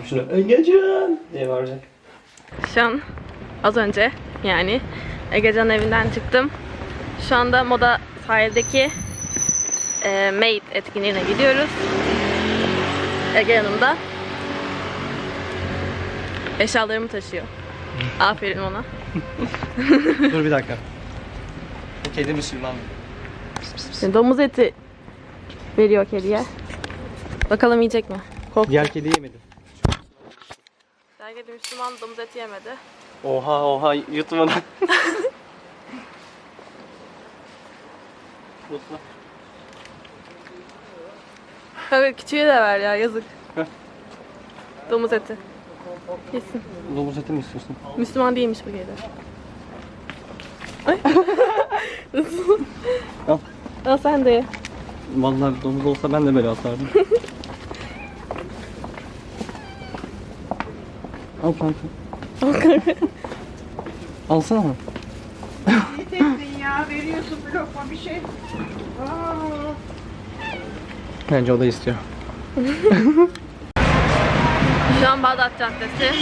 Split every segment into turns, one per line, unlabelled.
Şunu Egecan diye bağıracak.
Şu an az önce yani Egecan'ın evinden çıktım. Şu anda Moda sahildeki Made etkinliğine gidiyoruz. Ege yanımda. Eşyalarımı taşıyor. Aferin ona.
Dur bir dakika. Bu kedi Müslüman.
Domuz eti veriyor kediye. Bakalım yiyecek mi? Kork.
Diğer kedi yemedi.
Kedi Müslüman domuz eti yemedi.
Oha yutmadan.
Kanka küçüğe de ver ya, yazık.
Heh.
Domuz eti. Yesin.
Domuz eti mi istiyorsun?
Müslüman değilmiş bu kedi. Ay.
Al.
Al sen de ye.
Vallahi domuz olsa ben de böyle atardım. Al kanka.
Al kanka.
Alsana mı?
İyi tektin ya, veriyorsun bir lokma bir şey.
Bence o da istiyor.
Şu an Bağdat Caddesi.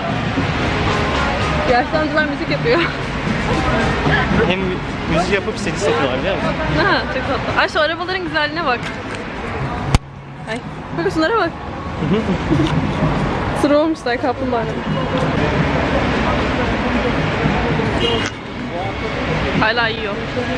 Yaşlı amcalar müzik yapıyor.
Hem müzik yapıp seni satıyorlar biliyor musun?
Ha, çok tatlı. Ay şu arabaların güzelliğine bak. Ay, bak şunlara bak. Sıra olmuşlar kaplumbağalar. Hala yiyor.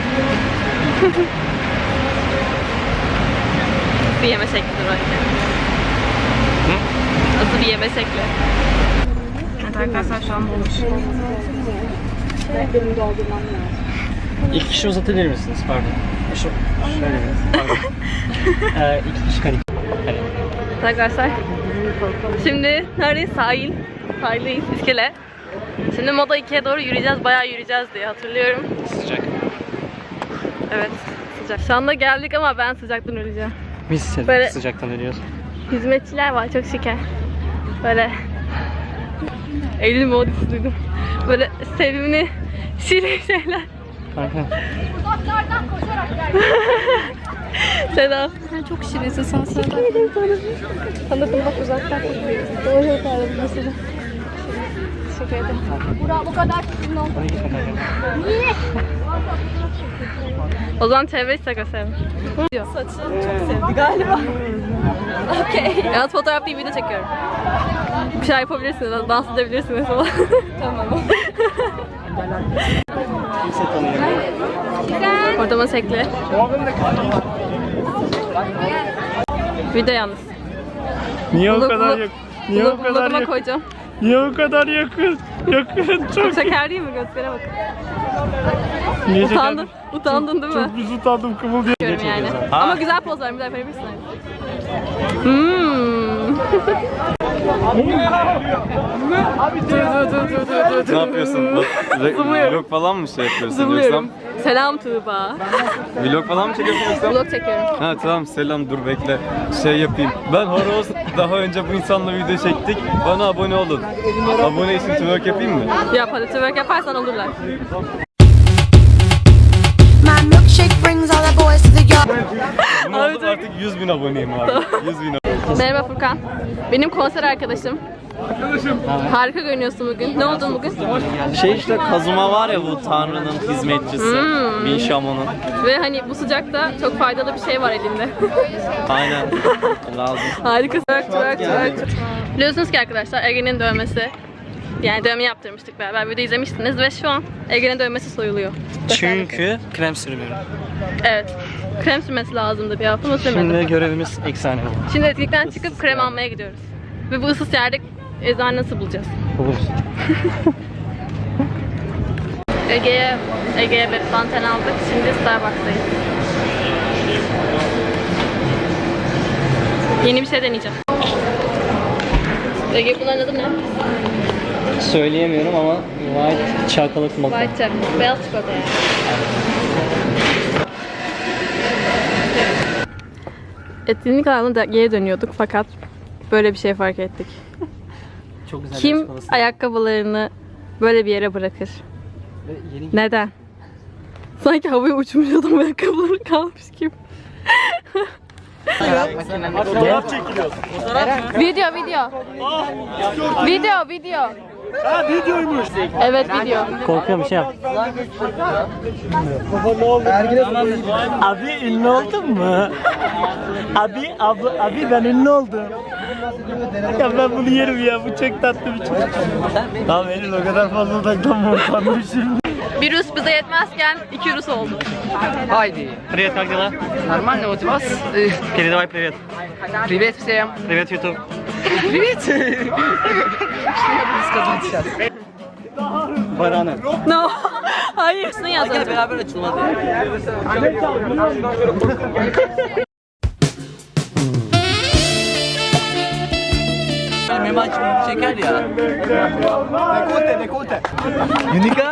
Bir yeme şeklidir bence. Nasıl bir yeme şekli? Evet arkadaşlar şu an olmuş.
İki kişi uzatabilir misiniz? Pardon. Şöyle mi? Pardon. İki kişi kare.
Arkadaşlar şimdi neredeyiz? Sahildeyiz, iskele. Şimdi Moda 2'ye doğru yürüyeceğiz, bayağı yürüyeceğiz diye hatırlıyorum.
Sıcak.
Evet, sıcak. Şu anda geldik ama ben sıcaktan öleceğim.
Biz
Böyle-
sıcaktan ölüyoruz.
Hizmetçiler var, çok şeker. Böyle Eylül modisi duydum. Böyle sevimli şirin şeyler.
Kanka.
Uzaklardan koşarak geldim.
Selam.
Sen çok şirinsin, sen sana.
Teşekkür ederim sana. Anladım bak uzaktan. Doğru yaparım mesela. Teşekkür ederim.
Burak bu kadar sizin oldu.
Hadi gitme kanka.
Niye?
O zaman çevre istaka sevim. Saçını çok sevdi galiba. Okey. Yalnız fotoğraf değil, video çekiyorum. Bir şey yapabilirsiniz, dans edebilirsiniz falan. Tamam.
Kimse tanıyamıyor.
Orada masekli. Video yalnız.
Niye o
Bunu-
kadar
bunu-
yakın? Niye o kadar
Vloguma
yakın?
koyacağım.
Niye o kadar yakın? Yakın çok.
Çok şeker değil mi? Göstere bakın.
Niye
Utandın. Utandın değil mi?
Çok biz utandım kımıl diye.
Diyorum yani. Ama güzel poz ver, bir daha verebilirsin.
Ne yapıyorsun? Vlog falan mı şey yapıyorsun
Zımlıyorum. Selam Tuğba.
Vlog falan mı çekiyorsun yoksa?
Vlog çekiyorum.
Ha tamam selam dur bekle. Şey yapayım. Ben Horoz daha önce bu insanla video çektik. Bana abone olun. Abone için twerk yapayım mı?
Yap hadi, twerk yaparsan olurlar.
My milkshake brings all the boys to the yard.
Bunu oldum artık 100.000 aboneyim abi. 100.000 abone.
Merhaba Furkan. Benim konser arkadaşım. Harika görünüyorsun bugün. Ne oldun bugün?
Şey işte Kazuma var ya bu Tanrı'nın hizmetçisi. Bin Shaman'ın.
Ve hani bu sıcakta çok faydalı bir şey var elinde.
Aynen. Lazım.
Harika. Twerk. Biliyorsunuz ki arkadaşlar Ege'nin dövmesi. Yani dövme yaptırmıştık beraber. Video izlemiştiniz ve şu an Ege'nin dövmesi soyuluyor.
Çünkü krem sürmüyorum.
Evet. Krem sürmesi lazımdı bir hafta ama sürmedim.
Şimdi görevimiz efsane oldu.
Şimdi etkinlikten çıkıp krem almaya gidiyoruz. Ve bu ıssız yerde eczane nasıl bulacağız?
Buluruz.
Ege'ye bir banten aldık. Şimdi Starbucks'tayız. Yeni bir şey deneyeceğim. Ege bunların adı ne?
Söyleyemiyorum ama white chocolate mocha.
White chocolate. Beyaz çikolata yani. Etkinlik alanına geri dönüyorduk fakat böyle bir şey fark ettik.
Çok güzel.
Kim ayakkabılarını böyle bir yere bırakır? Neden? Sanki havaya uçmuş adam ayakkabıları kalmış gibi.
Fotoğraf çekiliyor.
Video. Video.
Ha videoymuş.
Evet video.
Korkuyorum bir şey yap. Abi ünlü oldun mu? Abi ben ünlü oldum. Ya ben bunu yerim ya, bu çok tatlı bir çocuk. Tamam Eylül, o kadar fazla odaklanma, utandım şimdi.
Bir Rus bize yetmezken 2 Rus oldu.
Хайди.
Привет, как дела?
Нормально, вот у вас?
Передавай привет.
Привет всем.
Привет, YouTube.
Привет. Что я буду сказать сейчас?
Baranı.
No. Hayır. Şunu yaz önce.
Beraber açılmadı. Memaç çeker ya. Unika.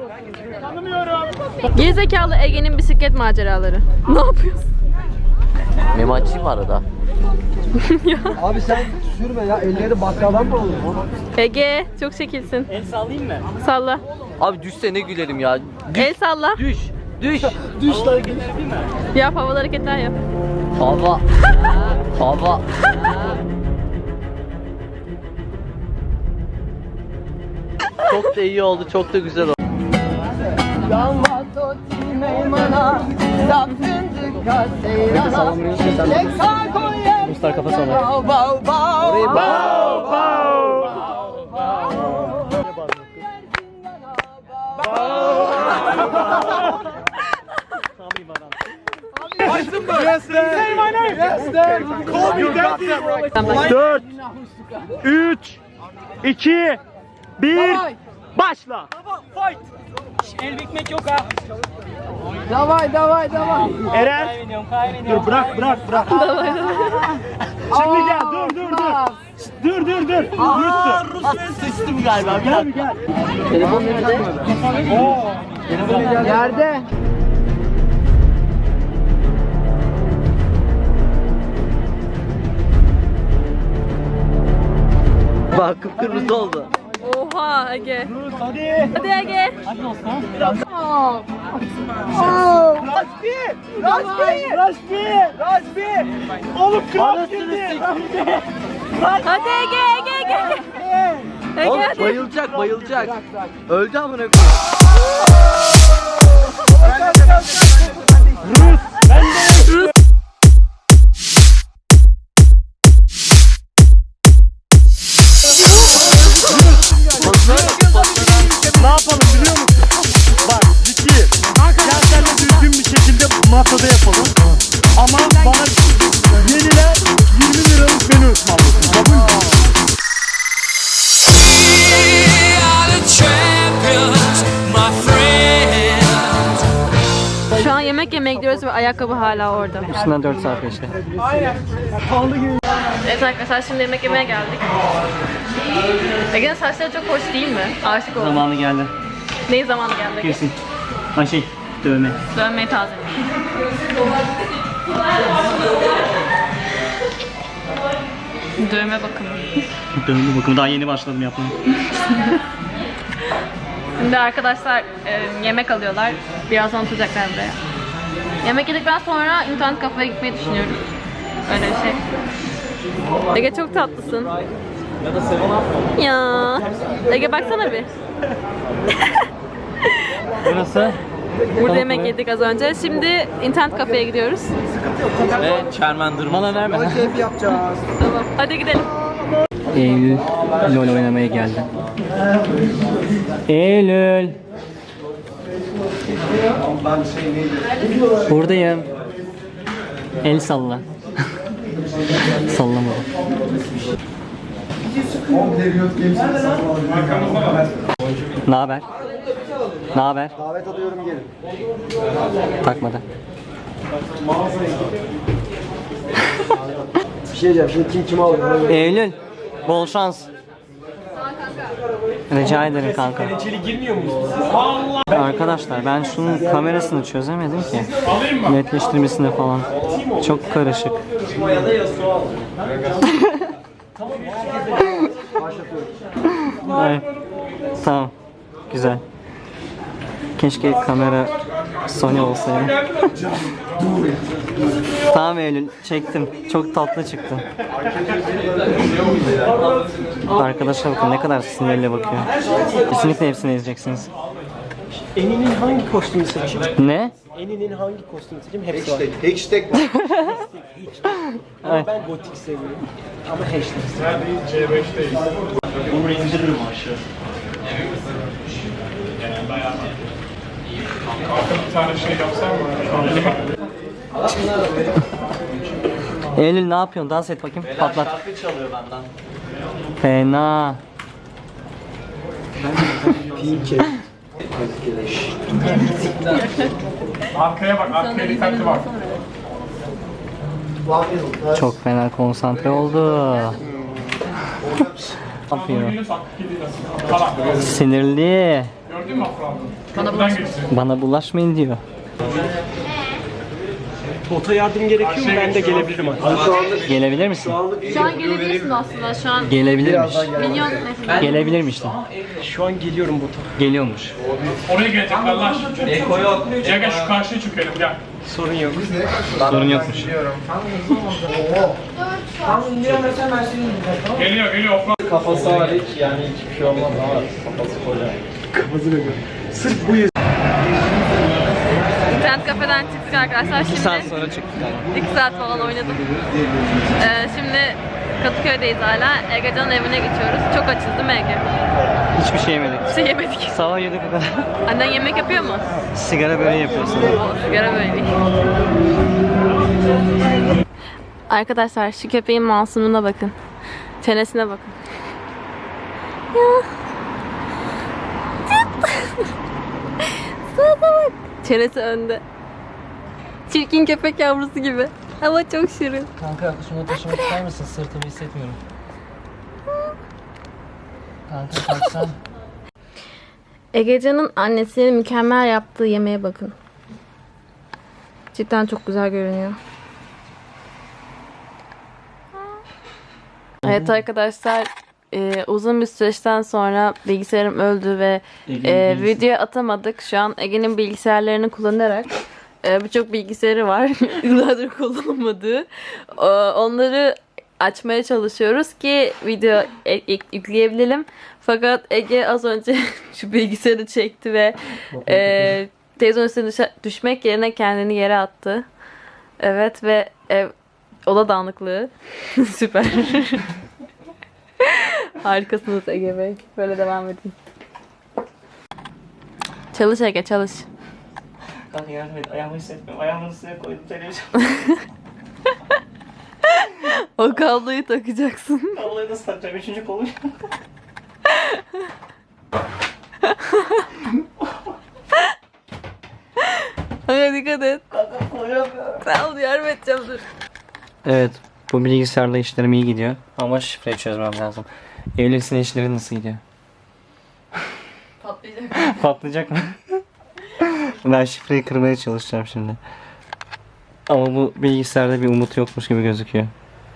Gerizekalı Ege'nin bisiklet maceraları. Ne yapıyorsun?
Memaççıyım arada.
Abi sen sürme ya, elleri bakkaldan mı olur?
Ege çok şekilsin.
El sallayayım mı?
Salla.
Abi düşse ne gülerim ya.
El salla.
Düş.
Yap, havalı hareketler yap.
Hava. Hava. Çok da iyi oldu, çok da güzel oldu.
Ruslar kafa sallar. Dört, 3, 2, 1, başla. El ekmek yok ha.
Davay.
Eren. Dur bırak. Şimdi gel, dur. Dur.
Sıçtım galiba.
Gel.
Yerde.
Bak kıpkırmızı oldu.
Oha Ege.
Hadi.
Hadi Ege.
Hadi dostum. Raşbi. Oğlum kral girdi.
Hadi Ege. Ege
Oğlum
hadi.
bayılacak. Öldü amına koyayım.
Ne yapalım biliyor musun? Bak ciddi. Gel seninle düzgün bir şekilde masada yapalım. Ama bana yenile 20 liralık menü ısmarlasın. Kabul mü?
Şu an yemek yemeye gidiyoruz ve ayakkabı hala orada.
Üstünden 4 saat geçti.
Evet arkadaşlar, şimdi yemek yemeye geldik. Ege'nin saçları çok hoş değil mi? Aşık oldum.
Zamanı geldi.
Neyi zamanı geldi?
Kesin. Dövme.
Dönmeyi tazeledim. Dövme bakımı.
Dövme bakımı daha yeni başladım yapmaya.
Şimdi arkadaşlar yemek alıyorlar. Birazdan oturacaklar buraya. Yemek yedikten sonra internet kafeye gitmeyi düşünüyoruz. Öyle bir şey. Ege çok tatlısın. Ya. Ege baksana bir.
Burası?
Burada yemek yedik az önce. Şimdi internet kafeye gidiyoruz.
Ve Charmander.
Bana verme.
Keyif yapacağız.
Tamam. Hadi gidelim.
Eylül LOL oynamaya geldi. Eylül. Buradayım. El salla. Sallamadım. Ne haber? Ne haber?
Davet alıyorum, gelin.
Takmadı.
Bir şey diyeceğim, şimdi kim kimi alıyor?
Eylül, bol şans. Rica ederim kanka. Arkadaşlar ben şunun kamerasını çözemedim ki. Netleştirmesini falan. Çok karışık. Evet. Tamam. Güzel. Keşke kamera
Sony olsaydı. Tamam Eylül, çektim. Çok tatlı çıktı. Arkadaşlar bakın ne kadar sinirli bakıyor. Kesinlikle hepsini izleyeceksiniz.
Eni'nin hangi kostümü seçeyim?
Ne?
Eni'nin hangi kostümü seçeyim? Hepsi var.
Hashtag var.
Ama ben gotik seviyorum. Ama hashtag. Bunu indiririm aşağı.
Eylül ne yapıyorsun? Dans et bakayım. Patlat.
Şarkı çalıyor benden.
Fena.
Arkaya bak, arkaya dikkatli bak.
Çok fena konsantre oldu. Ne yapıyor? Sinirli.
Gördün mü Afra?
Bana bulaşmayın diyor.
Bota yardım gerekiyor mu? Ben de gelebilirim artık.
Gelebilir misin?
Şu an gelebilirsin aslında. Şu an
Gelebilirmiş.
milyon
Gelebilirmiş de.
Şu an geliyorum bota.
Geliyormuş.
Oraya gelecekler lan şimdi. Gel gel şu karşıya çökelim gel.
Sorun yok.
Sorun yokmuş.
Geliyor geliyor Afra.
Kafası hariç yani hiçbir şey olmaz ama kafası koca.
internet kafeden çıktık arkadaşlar. Şimdi
2 saat sonra çıktık ama.
2 saat falan oynadım. Şimdi Kadıköy'deyiz hala. Egecan'ın evine geçiyoruz. Çok açız değil mi Ege?
Hiçbir şey yemedik.
Bir şey yemedik.
Sabah 7'ye kadar
Annen yemek yapıyor mu?
sigara böreği yapıyorsun.
O sigara böyle. Arkadaşlar şu köpeğin masumuna bakın. Çenesine bakın. Ya. Sana bak. Çenesi önde. Çirkin köpek yavrusu gibi. Ama çok şirin.
Kanka şunu taşımak ister misin? Sırtımı hissetmiyorum. Kanka kalksan.
Egecan'ın annesinin mükemmel yaptığı yemeğe bakın. Cidden çok güzel görünüyor. Evet arkadaşlar, uzun bir süreçten sonra bilgisayarım öldü ve video atamadık. Şu an Ege'nin bilgisayarlarını kullanarak birçok bilgisayarı var. Yıllardır kullanılmadığı. Onları açmaya çalışıyoruz ki video yükleyebilelim. Fakat Ege az önce şu bilgisayarı çekti ve televizyonun üstüne düşmek yerine kendini yere attı. Evet ve oda dağınıklığı. Süper. Harikasınız Ege Bey. Böyle devam edin. Çalış Ege, çalış.
Kanka yardım et. Ayağımı hissetmiyorum. Ayağımın üstüne koydum televizyon.
O kabloyu takacaksın.
Vallahi nasıl takacağım? 3. kolum.
Hadi dikkat et.
Kanka koyamıyorum.
Tamam yardım edeceğim dur.
Evet. Bu bilgisayarla işlerim iyi gidiyor. Ama şifreyi çözmem lazım. Evlisin işleri nasıl gidiyor?
Patlayacak.
Patlayacak mı? Ben şifreyi kırmaya çalışacağım şimdi. Ama bu bilgisayarda bir umut yokmuş gibi gözüküyor.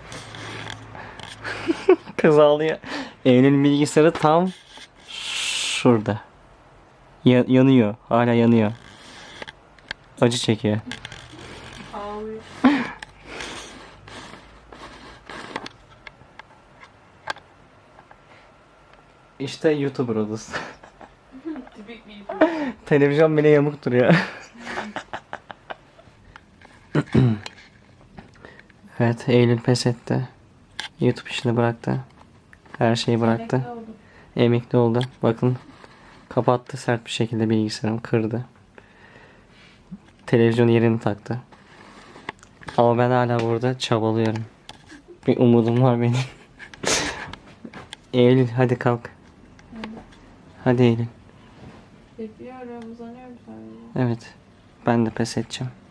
Kız ağlıyor. Eylül'ün bilgisayarı tam şurada. Yanıyor. Hala yanıyor. Acı çekiyor.
Ağlıyor.
İşte YouTuber odası. Televizyon bile yamuk duruyor. Evet, Eylül pes etti. YouTube işini bıraktı. Her şeyi bıraktı. Emekli oldu. Bakın kapattı sert bir şekilde bilgisayarımı kırdı. Televizyon yerini taktı. Ama ben hala burada çabalıyorum. Bir umudum var benim. Eylül hadi kalk. Hadi Eylül.
Bekliyorum, uzanıyorum sadece.
Evet. Ben de pes edeceğim.